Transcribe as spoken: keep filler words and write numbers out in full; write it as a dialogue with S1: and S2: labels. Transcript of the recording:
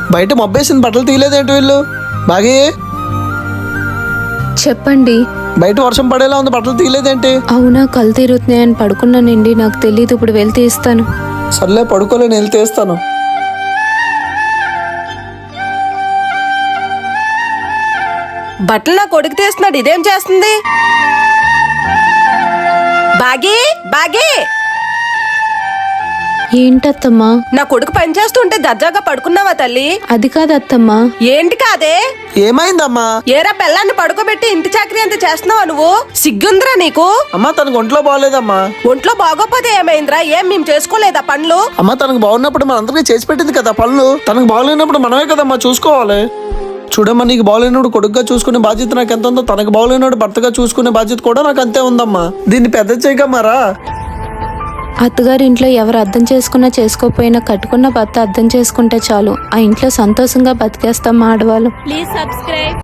S1: బయట మబ్బేసిన బట్టలు తీయలేదేంటి వీళ్ళు? బాగే
S2: చెప్పండి.
S1: బయట వర్షం పడేలా ఉంది, బట్టలు తీయలేదేంటి?
S2: అవునా, కళ్ళు తీరుతున్నాయని పడుకున్నానండి. నాకు తెలియదు, ఇప్పుడు వెళ్ళి తీస్తాను.
S1: సర్లే పడుకోలే, నేను తీస్తాను.
S3: బట్టలు నా కొడుకు తీస్తున్నాడు, ఇదేం చేస్తుంది? బాగి బాగి
S2: ఏంటత్తమ్మా?
S3: నా కొడుకు పని చేస్తుంటే దర్జాగా పడుకున్నావా తల్లి?
S2: అది కాదు అత్తమ్మా.
S3: ఏంటి కాదే?
S1: ఏమైందమ్మా?
S3: ఏరా పిల్లాన్ని పడుకోబెట్టి ఇంటి చాకరీ అంత చేస్తున్నావా నువ్వు? సిగ్గుందిరా నీకు?
S1: అమ్మా తనకు ఒంట్లో బాగోలేదమ్మా.
S3: ఒంట్లో బాగోపోతే ఏమైందిరా? ఏం మేము చేసుకోలేదా పనులు?
S1: అమ్మా తనకు బాగున్నప్పుడు మనందరికీ చేసి పెట్టింది కదా పనులు. తనకు బాగలేనప్పుడు మనమే కదమ్మా చూసుకోవాలి. చూడమ్మా, నీకు బాగలేనోడు కొడుకుగా చూసుకునే బాధ్యత నాకు ఎంత ఉందో, తనకు బాగలేనోడు భర్తగా చూసుకునే బాధ్యత కూడా నాకు అంతే ఉందమ్మా. దీన్ని పెద్ద చేయగమ్మారా?
S2: అత్తగారి ఇంట్లో ఎవరు అర్థం చేసుకున్నా చేసుకోకపోయినా కట్టుకున్న భర్త అర్థం చేసుకుంటే చాలు. ఆ ఇంట్లో సంతోషంగా బతికేస్తాం ఆడవాళ్ళు.
S4: Please subscribe.